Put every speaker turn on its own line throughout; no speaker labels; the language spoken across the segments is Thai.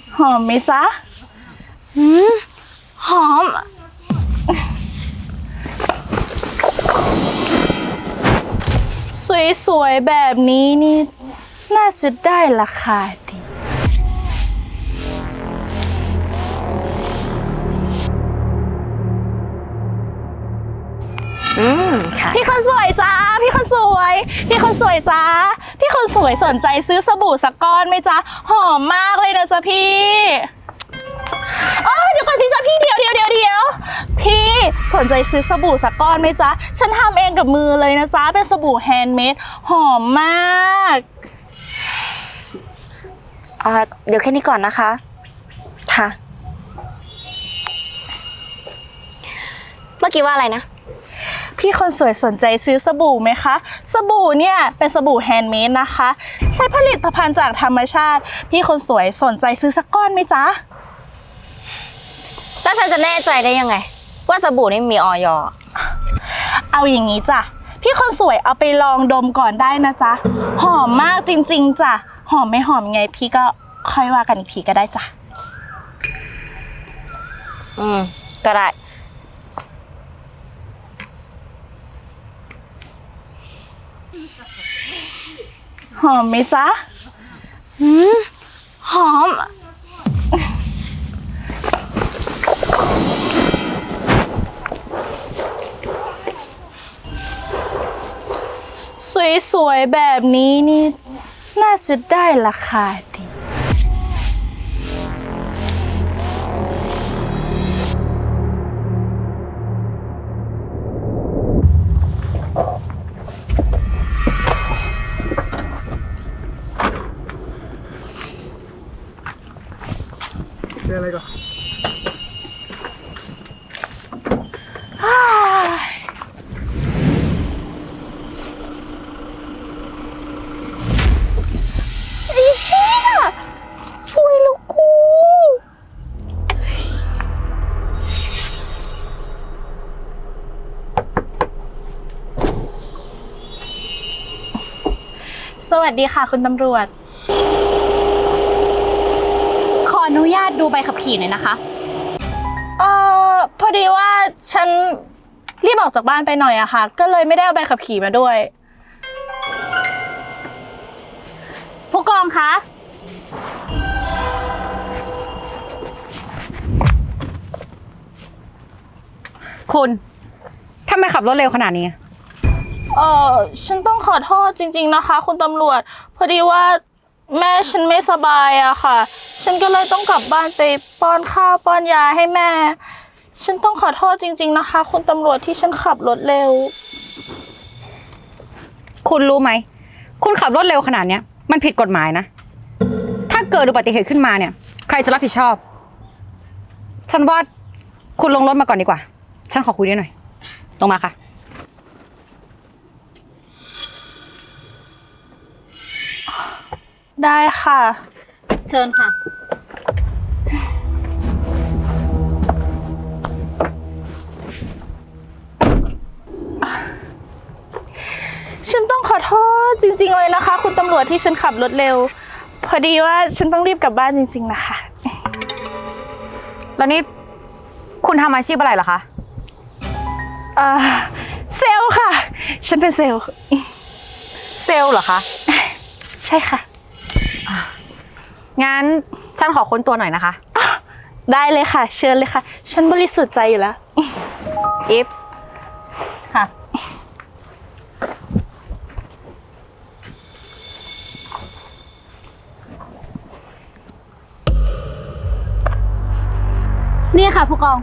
หอมไหมจ๊ะ
หอม
สวยๆแบบนี้นี่น่าจะได้ราคาดี
ค่ะ
พี่คนสวยจ้าพี่คนสวยพี่คนสวยจ้าพี่คนสวยสนใจซื้อสบู่สักก้อนไหมจ๊ะหอมมากเลยนะจ๊ะพี่เดี๋ยวก่อนสิจ๊ะพี่เดี๋ยวพี่สนใจซื้อสบู่สักก้อนไหมจ๊ะฉันทำเองกับมือเลยนะจ๊ะเป็นสบู่แฮนด์เมดหอมมาก
เดี๋ยวแค่นี้ก่อนนะคะค่ะเมื่อกี้ว่าอะไรนะ
พี่คนสวยสนใจซื้อสบู่ไหมคะสบู่เนี่ยเป็นสบู่แฮนด์เมดนะคะใช้ผลิตภัณฑ์จากธรรมชาติพี่คนสวยสนใจซื้อสักก้อนไหมจ๊ะ
แล้วฉันจะแน่ใจได้ยังไงว่าสบู่นี่มีออย.
เอาอย่างนี้จ้ะพี่คนสวยเอาไปลองดมก่อนได้นะจ๊ะหอมมากจริงๆจ้ะหอมไม่หอมไงพี่ก็ค่อยว่ากันอีกทีก็ได้จ้ะ
ก็ได้
หอมไหมจ๊ะ
หอม
สวยๆแบบนี้นี่น่าจะได้ราคาดี
เป็นอะไรก่อน
ไอ้เชี่ยสวยแล้วกูสวัสดีค่ะคุณตำรวจ
ขออนุญาตดูใบขับขี่หน่อยนะคะ
พอดีว่าฉันรีบออกจากบ้านไปหน่อยอะค่ะก็เลยไม่ได้เอาใบขับขี่มาด้วย
ผู้กองคะคุณทำไมขับรถเร็วขนาดนี้
ฉันต้องขอโทษจริงๆนะคะคุณตำรวจพอดีว่าแม่ฉันไม่สบายอะค่ะฉันก็เลยต้องกลับบ้านไปป้อนข้าวป้อนยาให้แม่ฉันต้องขอโทษจริงๆนะคะคุณตำรวจที่ฉันขับรถเร็ว
คุณรู้ไหมคุณขับรถเร็วขนาดเนี้ยมันผิดกฎหมายนะถ้าเกิดอุบัติเหตุขึ้นมาเนี่ยใครจะรับผิดชอบฉันว่าคุณลงรถมาก่อนดีกว่าฉันขอคุยด้วยหน่อยลงมาค่ะ
ได้ค่ะ
เชิญค่ะ
ฉันต้องขอโทษจริงๆเลยนะคะคุณตำรวจที่ฉันขับรถเร็วพอดีว่าฉันต้องรีบกลับบ้านจริงๆนะคะ
แล้วนี่คุณทำอาชีพอะไรเหรอคะ
เซลล์ค่ะฉันเป็นเซลล์
เซลล์เหรอคะ
ใช่ค่ะ
งั้นฉันขอค้นตัวหน่อยนะคะ
ได้เลยค่ะเชิญเลยค่ะฉันบริสุทธิ์ใจอยู่แล้ว
อิฟค่ะนี่ค่ะผู้กอง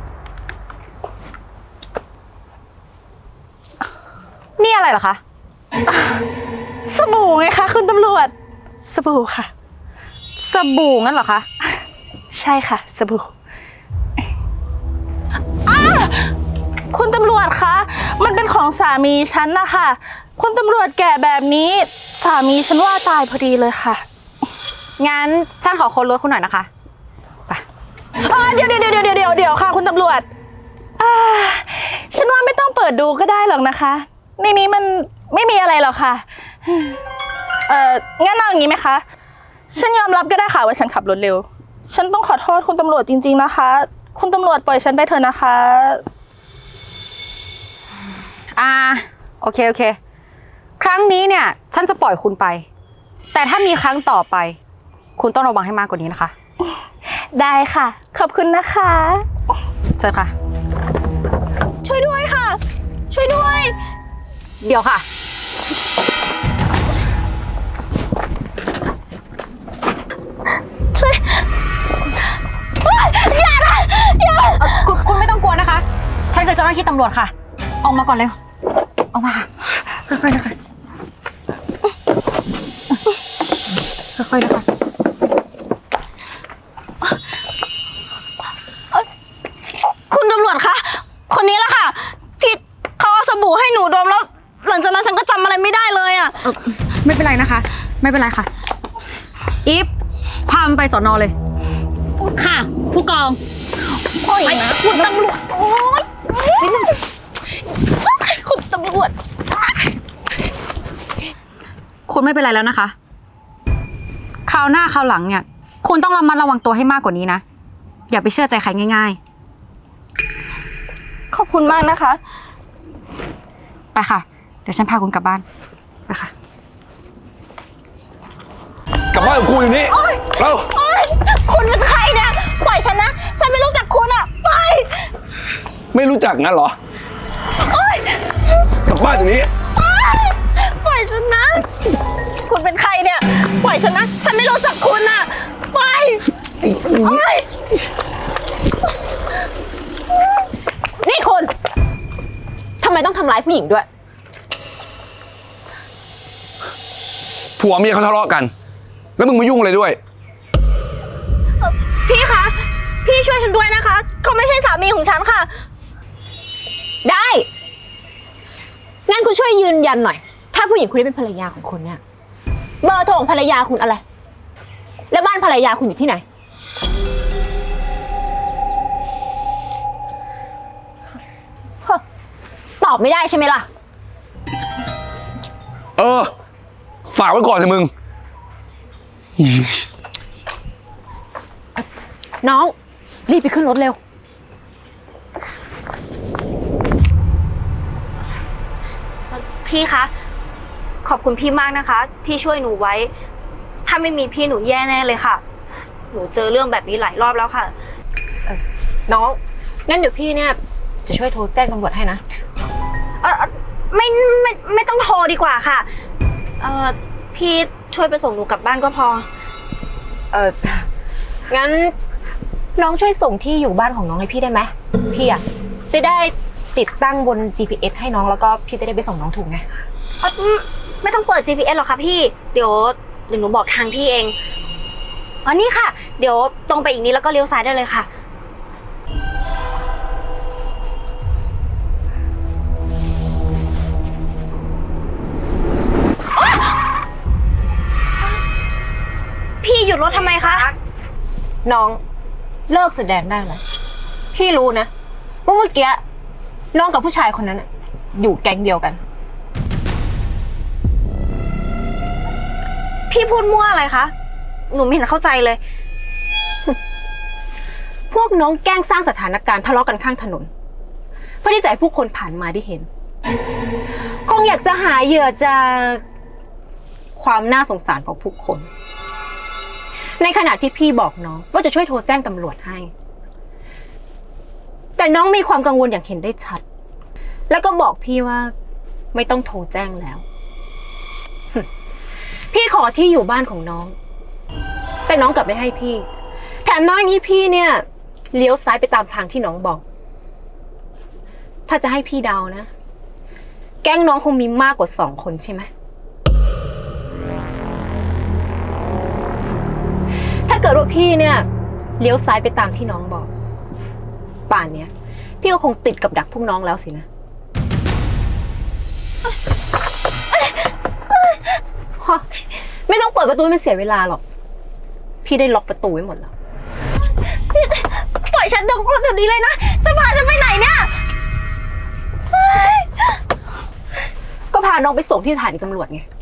นี่อะไรเหรอคะ
สบู่ไงคะคุณตำรวจสบู่ค่ะ
สบู่งั้นเหรอคะ
ใช่ค่ะสบู่คุณตำรวจคะมันเป็นของสามีฉันนะคะคุณตำรวจแก่แบบนี้สามีฉันว่าตายพอดีเลยค่ะ
งั้นฉันขอค้นรถคุณหน่อยนะคะไป
เดี๋ยวค่ะคุณตำรวจฉันว่าไม่ต้องเปิดดูก็ได้หรอกนะคะในนี้มันไม่มีอะไรหรอกค่ะงั้นเอาอย่างนี้ไหมคะฉันยอมรับก็ได้ค่ะว่าฉันขับรถเร็วฉันต้องขอโทษคุณตำรวจจริงๆนะคะ คุณตำรวจปล่อยฉันไปเถอะนะคะ
โอเค ครั้งนี้เนี่ย ฉันจะปล่อยคุณไป แต่ถ้ามีครั้งต่อไป คุณต้องระวังให้มากกว่านี้นะคะ
ได้ค่ะ ขอบคุณนะคะ
เชิญค่ะ
ช่วยด้วยค่ะ ช่วยด้วย
เดี๋ยวค่ะ คุณไม่ต้องกลัวนะคะ ฉันคือเจ้าหน้าที่ตำรวจค่ะ ออกมาก่อนเร็ว ออกมาค่ะ ค่อยๆนะคะค่อยๆนะคะ
คุณตำรวจคะ คนนี้แหละค่ะ ที่เขาเอาสบู่ให้หนูดมแล้ว หลังจากนั้นฉันก็จำอะไรไม่ได้เลยอ่ะ
ไม่เป็นไรนะคะ ไม่เป็นไรค่ะ อีฟพามันไปสอนอเลย
ค่ะ ผู้กองโอ้ยนะคุณตำรวจ โอ้ยคุณตำรวจ
คุณไม่เป็นไรแล้วนะคะ คราวหน้าคราวหลังเนี่ย คุณต้องระมัดระวังตัวให้มากกว่านี้นะ อย่าไปเชื่อใจใครง่าย
ขอบคุณมากนะคะ
ๆ ไปค่ะ เดี๋ยวฉันพาคุณกลับบ้าน ไปค่ะ
กลับบ้านกับกูอยู่นี่เร็ว
คุณเป็นใครเนี่ยปล่อยฉันนะ ฉันไม่รู้จักคุณอ่ะไป
ไม่รู้จักงั้นเหรอ กลับบ้านอยู่นี้
ปล่อยฉันนะ คุณเป็นใครเนี่ย ปล่อยฉันนะ ฉันไม่รู้จักคุณอ่ะไปโอ๊ย
นี่คุณทำไมต้องทำร้ายผู้หญิงด้วย
ผัวเมียเขาทะเลาะกัน แล้วมึงมายุ่งอะไรด้วย
พี่คะ พี่ช่วยฉันด้วยนะคะ เขาไม่ใช่สามีของฉันค่ะ
ได้ งั้นคุณช่วยยืนยันหน่อย ถ้าผู้หญิงคนนี้เป็นภรรยาของคุณเนี่ย เบอร์โทรของภรรยาคุณอะไร แล้วบ้านภรรยาคุณอยู่ที่ไหน ตอบไม่ได้ใช่ไหมล่ะ
เออ ฝากไว้ก่อนเถอะมึง
น้อง รีบไปขึ้นรถเร็ว
พี่คะ ขอบคุณพี่มากนะคะ ที่ช่วยหนูไว้ ถ้าไม่มีพี่หนูแย่แน่เลยค่ะ หนูเจอเรื่องแบบนี้หลายรอบแล้วค่ะ
น้อง งั้นเดี๋ยวพี่เนี่ยจะช่วยโทรแจ้งตำรวจให้นะ
ไม่ต้องโทรดีกว่าค่ะ พี่ช่วยไปส่งหนูกลับบ้านก็พอ
งั้นน้องช่วยส่งที่อยู่บ้านของน้องให้พี่ได้ไหมพี่อะจะได้ติดตั้งบน GPS ให้น้องแล้วก็พี่จะได้ไปส่งน้องถูกไง
ไม่ต้องเปิด GPS หรอกค่ะพี่ เดี๋ยวหนูบอกทางพี่เองอ๋อนี่ค่ะ เดี๋ยวตรงไปอีกนิดแล้วก็เลี้ยวซ้ายได้เลยค่ะ พี่หยุดรถทำไมคะ
น้องเลิกแสดงได้แล้วพี่รู้นะว่าเมื่อกี้น้องกับผู้ชายคนนั้นอะอยู่แก๊งเดียวกัน
พี่พูดมั่วอะไรคะ หนูไม่เห็นเข้าใจเลย
พวกน้องแกล้งสร้างสถานการณ์ทะเลาะกันข้างถนนเพื่อที่จะให้ผู้คนผ่านมาได้เห็น คงอยากจะหาเหยื่อจากความน่าสงสารของผู้คน ในขณะที่พี่บอกน้องว่าจะช่วยโทรแจ้งตำรวจให้ แต่น้องมีความกังวลอย่างเห็นได้ชัด แล้วก็บอกพี่ว่าไม่ต้องโทรแจ้งแล้ว พี่ขอที่อยู่บ้านของน้อง แต่น้องกลับไม่ให้พี่ แถมน้องอย่างนี้พี่เนี่ยเลี้ยวซ้ายไปตามทางที่น้องบอก ถ้าจะให้พี่เดานะ แก๊งน้องคงมีมากกว่า2 คนใช่ไหม ถ้าเกิดว่าพี่เนี่ยเลี้ยวซ้ายไปตามที่น้องบอก ป่านเนี้ยพี่ก็คงติดกับดักพวกน้องแล้วสินะฮะไม่ต้องเปิดประตูให้มันเสียเวลาหรอก พี่ได้ล็อกประตูไว้หมดแล้ว
ปล่อยฉันเดี๋ยวนี้เลยนะ จะพาฉันไปไหนเนี่ย
ก็พาน้องไปส่งที่สถานีตำรวจไง